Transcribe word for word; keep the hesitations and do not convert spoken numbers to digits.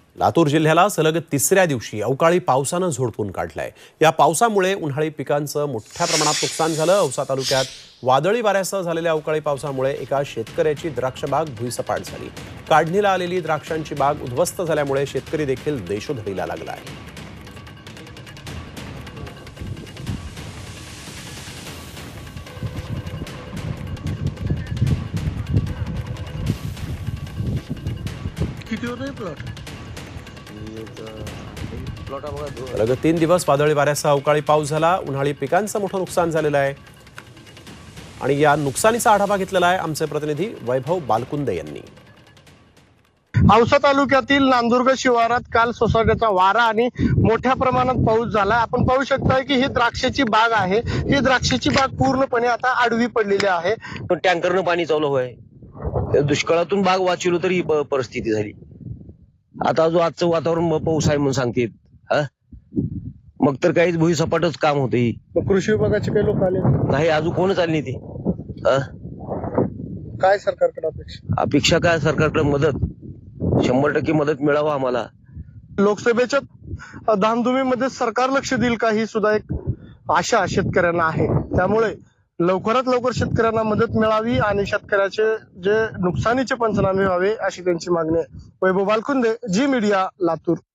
लातूर जिल्ह्याला सलग तिसऱ्या दिवशी अवकाळी पावसानं झोडपून काढलाय। या पावसामुळे उन्हाळी पिकांचं मोठ्या प्रमाणात नुकसान झालं। औसा तालुक्यात वादळी वाऱ्यासह झालेल्या अवकाळी पावसामुळे एका शेतकऱ्याची द्राक्ष बाग भुईसपाट झाली। काढणीला आलेली द्राक्षांची बाग उद्ध्वस्त झाल्यामुळे शेतकरी देखील देशोधडीला लागलाय। किती होते प्लॉट सलग तीन दिवस वादळी वाऱ्यासह अवकाळी पाऊस झाला। उन्हाळी पिकांचं मोठं नुकसान झालेलं आहे आणि या नुकसानीचा आढावा घेतलेला आहे आमचे प्रतिनिधी वैभव बालकुंदे यांनी। औसा तालुक्यातील नांदुर्ग शिवारात काल सोसाट्याचा वारा आणि मोठ्या प्रमाणात पाऊस झाला। आपण पाहू शकता की ही द्राक्षाची बाग आहे। ही द्राक्षाची बाग पूर्णपणे आता आडवी पडलेली आहे। टँकरनं पाणी चालू होय। दुष्काळातून बाग वाचवलो तरी ही प- परिस्थिती झाली। आता जो आजचं वातावरण पाऊस आहे म्हणून सांगतेत, हा मग तर काहीच भुईसपाटच काम होते। कृषी विभागाचे काही लोक आले नाही, अजून कोणच आली नाही ते। हा? काय सरकारकडे अपेक्षा? अपेक्षा काय, सरकारकडे मदत शंभर टक्के मदत मिळावं आम्हाला। लोकसभेच्या धामधुमीमध्ये सरकार लक्ष देईल का ही सुद्धा एक आशा शेतकऱ्यांना आहे। त्यामुळे लवकरात लवकर शेतकऱ्यांना मदत मिळावी आणि शेतकऱ्याचे जे नुकसानीचे पंचनामे व्हावे अशी त्यांची मागणी आहे। Vaibhav Balkunde, Zee media, Latur.